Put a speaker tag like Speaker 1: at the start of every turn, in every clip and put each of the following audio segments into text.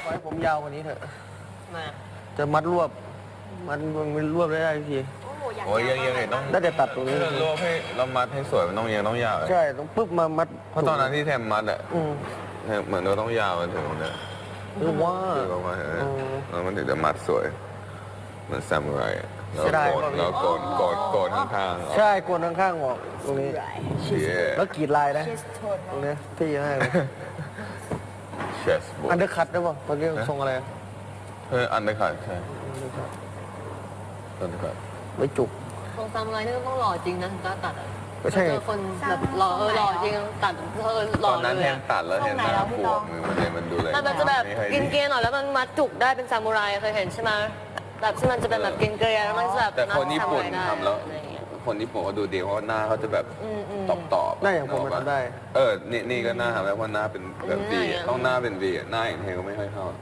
Speaker 1: ขอให้ผมยาวกว่านี้เถอะ
Speaker 2: มา
Speaker 1: จะมัดรวบมันรวบได้ที
Speaker 3: โอ้ยยังต้อง
Speaker 1: ได้แต่ตัดตรงนี้
Speaker 3: รวบให้เรามัดให้สวยมันต้องต้องยาว
Speaker 1: ใช่ต้องปึ๊บมามัด
Speaker 3: เพราะตอนนั้นที่แทมมัดอ่ะ เหมือนเราต้องยาวมันถึงเนี่ย
Speaker 1: หรือว่า
Speaker 3: คือออกมาเห็นไหมแล้วมันถึงจะมัดสวยเหมือนซามูไรแล้วโกนข้างๆ
Speaker 1: ใช่โกนข้างๆออกตรงนี้
Speaker 3: แล้
Speaker 1: แล้ว วกรีดลายนะตรงนี้ที่ให้เลย
Speaker 3: เชสบุ๊ก
Speaker 1: อันเดอร์คัตได้ป่ะตอนนี้ทรงอะไร
Speaker 3: อันเดอร์คัทใช่อันเดอร์คัท
Speaker 1: ไม่จุก
Speaker 2: ตรงซามูไรนี่ต้องหล่อจริงนะถ้าตัดอ่ะ
Speaker 1: ก็ใช่
Speaker 2: เจอคนแบบหล่อหล่อจริงตัดห
Speaker 3: ต
Speaker 2: ล่อ
Speaker 3: อนนั้น
Speaker 2: เล
Speaker 3: แท
Speaker 2: ย
Speaker 3: นตัดแล้วเห็นหน้าปวดมันดูเลย
Speaker 2: มันจะแบบกินเกลียหน่อยแล้วมันมัดจุกได้เป็นซามูไรเคยเห็นใช่ไหมแบบที่มันจะเป็นแบบกินเกลียแล้วมันจะแบบ
Speaker 3: แต่คนญี่ปุ่นทำแล้วคนญี่ปุ่นเขาดูดีเพราะหน้าเขาจะแบบตอบ
Speaker 1: หน้าอย่างผมมันทำได้
Speaker 3: นี่ก็หน้าทำแล้วเพราะหน้าเป็นแบบวีต้องหน้าเป็นวีหน้าอย่างเทก็ไม่ค่อยเข้า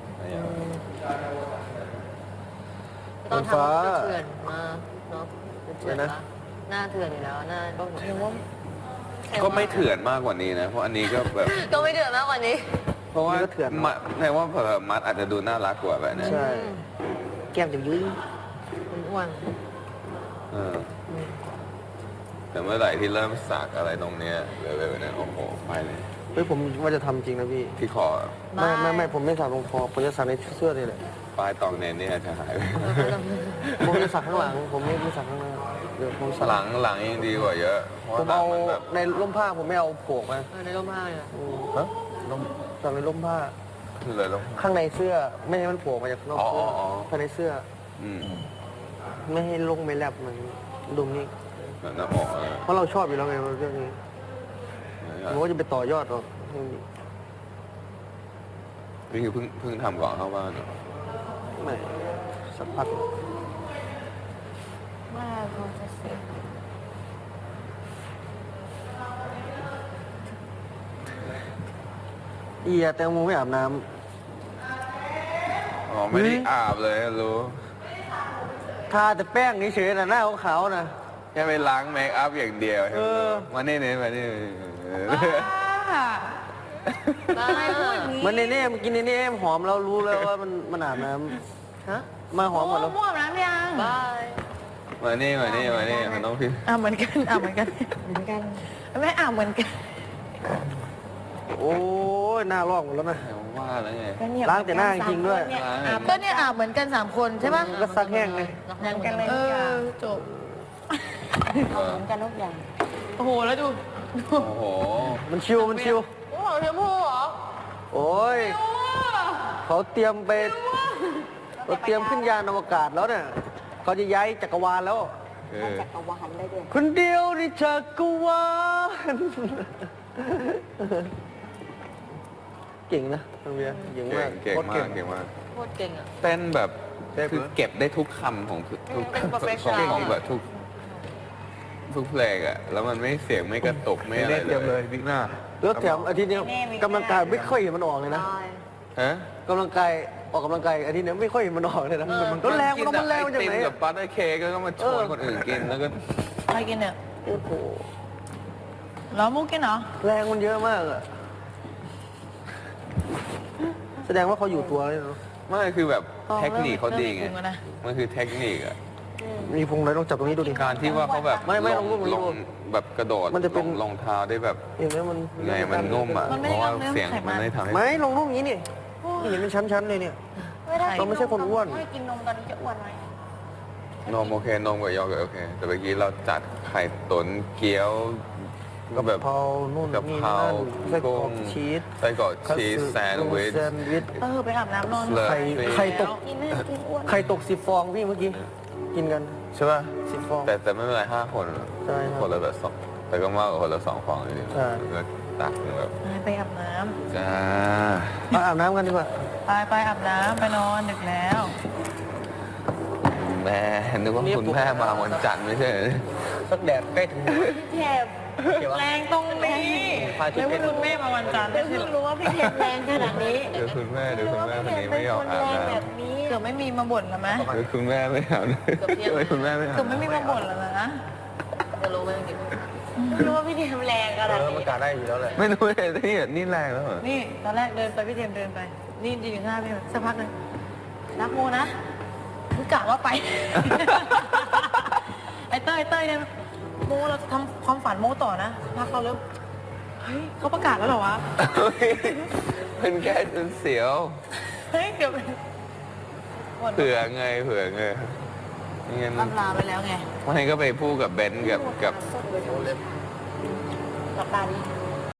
Speaker 2: ตอนทำก็เถื่อนมากเนาะเถื่อนปะหน้าเถื่อนอยู่แล้วหน้าก็
Speaker 3: ก็ไม่เถื่อนมากกว่านี้นะเพราะอันนี้ก็แบบ
Speaker 2: ก็ไม่เถื่อนมากกว่านี้
Speaker 3: เพราะว่าแปลว่ามัดอาจจะดูน่ารักกว่าแบบนี้
Speaker 1: ใช่แก้มจะยุ้ย
Speaker 2: อ้วน
Speaker 3: แต่เมื่อไหร่ที่เริ่มสักอะไรตรงเนี้ยเลยๆเนี่ยโอ้โหไปเลย
Speaker 1: เฮ้ยผมว่าจะทำจริงนะพี่
Speaker 3: ที่คอ
Speaker 1: ไม่ผมไม่สักตรงคอผมจะสักในเสื้อนี่แหละ
Speaker 3: ปลายตองเนนเนี่ยจะหายไป
Speaker 1: ผมจะสักข้างหลังผมไม่สักข้างหน้าเดี๋ยวผมสัก
Speaker 3: หลังยังดีกว่าเยอะเพราะ
Speaker 1: ผม
Speaker 3: หลั
Speaker 1: เอา
Speaker 3: งมันแบบ
Speaker 1: ในร่มผ้าผมไม่เอาโผกมา
Speaker 2: ในร่มผ้าเลย
Speaker 3: ฮะลง
Speaker 1: สักในร่มผ้า
Speaker 3: คือเลยลง
Speaker 1: ข้างในเสื้อไม่ให้มันโผล่มาจากข้างนอกเสื้อภายในเสื้อ
Speaker 3: อืม
Speaker 1: ไม่ให้ลงไม่แลบเหมือนดุมนี้
Speaker 3: แบบหน้าอกอะไร
Speaker 1: เพราะเราชอบอยู่แล้วไงเรื่องนี้ผมว่าจะไปต่อยอดหรอก
Speaker 3: นี่คือเพิ่งทำก่อนเข้าบ้านเหรอ
Speaker 1: ไม่สักพัก
Speaker 4: ว่าเขาจะเสร็จ
Speaker 1: แตงโมไม่อาบน้
Speaker 3: อ๋อไม่ได้อาบเลยรู้
Speaker 1: ำทาแต่แป้งเฉยๆนะหน้าขาวๆนะ
Speaker 3: แค่ไปล้างเมคอัพอย่างเดียว มานี่มานี่
Speaker 2: ได้พูด
Speaker 1: มันเน่ๆมันกินเน่ๆหอมเรารู้แล้วว่ามันอาบน้
Speaker 2: ฮะ
Speaker 1: ำมาหอมหมดแล้ว
Speaker 4: มั่วน้ำยัง
Speaker 2: บาย
Speaker 3: มานี่มันต้องพี่
Speaker 4: เหมือนกันเหมือนกันไม่เหมือนกัน
Speaker 1: โอ้ยหน้าลอกหมดแล้วนะ
Speaker 3: ว่าแล้วไง
Speaker 1: ล้างแต่หน้าจริงๆด้วย
Speaker 4: ก็เนี่ยเหมือนกัน3 คนใช่ปะ
Speaker 1: ก็ซักแห้งไง
Speaker 4: เหมือนกันเลยจบ
Speaker 5: เหมือนกันทุกอย่าง
Speaker 4: โอ้โหแล้วดู
Speaker 3: โอ้โห
Speaker 1: มันชิว
Speaker 4: โอ้โหเทมพูเหรอ
Speaker 1: โอ้ยเขาเตรียมไปเขาเตรียมขึ้นยานอวกาศแล้วเนี่ยเขาจะย้ายจักรวาลแล้ว
Speaker 5: จักรวาลได้ด้วย
Speaker 1: คนเดียวในจักรวาลเก่งนะน้องเบียร์เก่งมาก
Speaker 3: เก่ง
Speaker 1: โคตร
Speaker 3: มากเก่งมาก
Speaker 2: โคตรเก่งอ่ะ
Speaker 3: เต้นแบบ
Speaker 1: เต้น
Speaker 3: คือเก็บได้ทุกคำของทุก
Speaker 2: เป็น
Speaker 3: ของ
Speaker 2: professional
Speaker 3: ของแบบทุกเพลงอ่ะแล้วมันไม่เสียงไม่กระตุกไม่อะไรเลยบิ๊กหน้า
Speaker 1: แล้วแถมอาทิตย์นี้กำลังกายไม่ค่อยเห็นมันออกเลยนะ
Speaker 2: ได้
Speaker 3: ฮะ
Speaker 1: กำลังกายออกกำลังกายอาทิตย์นี้ไม่ค่อยเห็นมันออกเลยนะแล้วแรงมันแรงมาจากไหน
Speaker 3: กิกับบัตเตอร์เค้กแล้วก็มาชวนคนอื่นกินแล้วก็
Speaker 4: ใครกินเนี่ย
Speaker 1: โอ้โห
Speaker 4: แล้วมุกกินเหรอ
Speaker 1: แรงมันเยอะมากอะแสดงว่าเขาอยู่ตัวเลยเนาะ
Speaker 3: ไม่คือแบบเทคนิคเขาดีไง
Speaker 4: เริ่มมีพุงแล้วนะ
Speaker 3: มันคือเทคนิคอะ
Speaker 1: มีพุงเลยต้องจับตรงนี้ดูดิ
Speaker 3: การที่ว่าเขาแบบ
Speaker 1: ไม่ลงรูป
Speaker 3: ลงแบบกระโดด
Speaker 1: มันจะเป็น
Speaker 3: ลงเท้าได้แบบ
Speaker 1: เห็นไหมมัน
Speaker 3: ไงมันนุ่มอ่ะ
Speaker 4: มันไม่
Speaker 3: เพ
Speaker 4: ได้
Speaker 3: ราะว่า
Speaker 4: ลงเนื้อ
Speaker 3: เสียง
Speaker 4: ไขมั
Speaker 3: มัน
Speaker 4: น
Speaker 3: ไม่ได้ทำให้
Speaker 1: ไม่ลงรูปอย่างนี้นี่นี่เห็นเป็นชั้นๆเลยเนี่ย เราไม่ใช่คนอ้วน
Speaker 5: ไม่กินนมตอนนี้จะอ้วนไหม
Speaker 3: นมโอเคนมกับโยเกิร์ตโอเค แต่เมื่อกี้เราจัดไข่ตุ๋นเกี๊ยว ก็แบบ
Speaker 1: กะเพรานู่น
Speaker 3: กะ
Speaker 1: นี่
Speaker 3: เพรา
Speaker 1: นั่นไส้กรอก
Speaker 3: กุ้ง
Speaker 1: ชีส
Speaker 3: ไส้กรอกชีสแซนด์วิช
Speaker 1: แซนด์วิช
Speaker 4: ไปอาบน้ำนอน
Speaker 3: เลย
Speaker 1: ไข่ตก
Speaker 5: กินไม่กินอ้วน
Speaker 1: ไข่ตก10 ฟองพี่เมื่อกี้กินกัน
Speaker 3: ใช่ป่ะ
Speaker 1: 10 ฟอง
Speaker 3: แต่ไม่เป็นไร5 คน
Speaker 1: ใช่ครับ
Speaker 3: คนละแบบ2แต่ก็มากกว่าคนละ2 ฟองอยู่ดี
Speaker 1: ใช่
Speaker 3: แล้วตักแบบ
Speaker 4: ไปอาบน้
Speaker 3: จ้า
Speaker 1: มาอาบน้ำกันดีกว่า
Speaker 4: ำไปอาบน้ำไปนอนดึกแล้ว
Speaker 3: แม่นึกว่าคุณแม่มาวันจันทร์ไม่ใช่เหรอ
Speaker 1: สักแดดใกล้ถึง
Speaker 5: พี่เทพ
Speaker 4: แรงตรงนี้แล้วคุณแม่มาวันจันทร์
Speaker 5: เพิ่
Speaker 4: ไม่ใช่
Speaker 5: ง
Speaker 4: เหรอ
Speaker 5: รู้ว่าพี่เทพแรงขนาดนี้
Speaker 3: เดี๋ยวคุณแม่คนนี้ไม่ยอมอาบ
Speaker 5: แรง
Speaker 3: น้ำ
Speaker 5: แบบนี้
Speaker 4: เกือบไม่มีมาบ่นแล้วไหม
Speaker 3: เดี๋ยวคุณแม่ไม่อาบน้ำเดี๋ยวคุณแม่ไม่อาบ
Speaker 4: เกือบไม่มีมาบ่นแล้วนะ
Speaker 2: จะรู้ไหมเมื่อกี้
Speaker 5: ไม่รู้ว่าพี่เทพแรงขนาด
Speaker 1: มัน
Speaker 5: นี้
Speaker 1: กาได้อยู่แล้วแหละ
Speaker 3: ไม่รู้เลยนี่แรงแล้วเหรอ
Speaker 4: นี่ตอนแรกเดินไปพี่เทียมเดินไปนี่ยืนอยู่หน้าพี่สักพักหนึ่งรักโมนะคือกะว่าไป ไอ้เต้ยเนี่ยโมเราจะทำความฝันโมต่อนะพักเราเริ่มเฮ้ยเขาประกาศแล้วเหรอวะ
Speaker 3: มันแค่เสียว
Speaker 4: เฮ้ยเกือบ
Speaker 3: เผื่อไงงั้น
Speaker 4: ล่ำลาไปแล้วไง
Speaker 3: ไม่ก็ไปพูดกับเบนซ์กับ
Speaker 4: หลับตาดิ